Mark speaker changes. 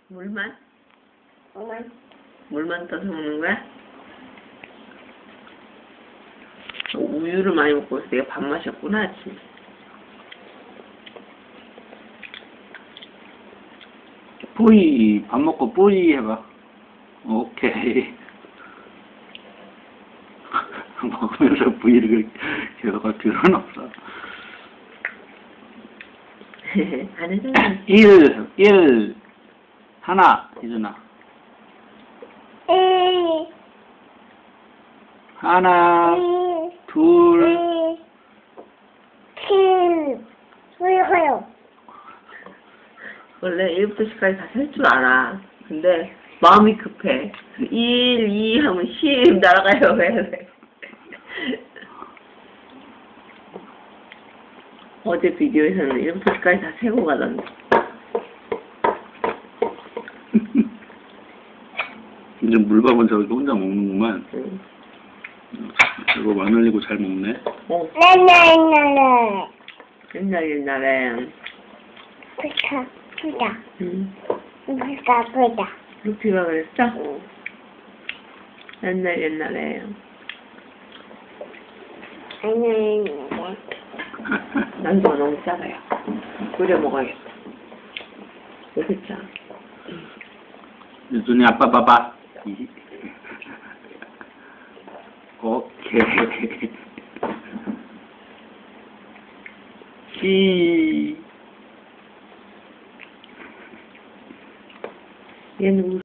Speaker 1: 물만?
Speaker 2: 물만.
Speaker 1: 물만 떠서 먹는 거야? 우유를 많이 먹고 있어. 내가 밥 마셨구나, 아침에.
Speaker 3: 뿌이, 밥 먹고 뿌이 해봐. 오케이. 먹으면서 뿌이를 계속 할 필요는 없어.
Speaker 1: 안 해주면
Speaker 3: 1, 하나, 이준아. 하나, 둘,
Speaker 2: 왜요?
Speaker 1: 원래 1부터 10까지 다 셀 줄 알아. 근데 마음이 급해. 1, 2 하면 10 날아가요. 왜? 어제 비디오에서는 1부터 10까지 다 세고 가던데.
Speaker 3: 이제 물밥은 저렇게 혼자 먹는구만.
Speaker 1: 응.
Speaker 3: 이거 마늘 흘리고 잘 먹네.
Speaker 1: 어, 옛날에.
Speaker 2: 보자.
Speaker 1: 응.
Speaker 2: 보자.
Speaker 1: 루피가 그랬어? 옛날에. 난도가 너무 작아요. 끓여 먹어야겠다. 그렇죠?
Speaker 3: 유준이 아빠 봐봐. 오케이. 시.
Speaker 1: 얘는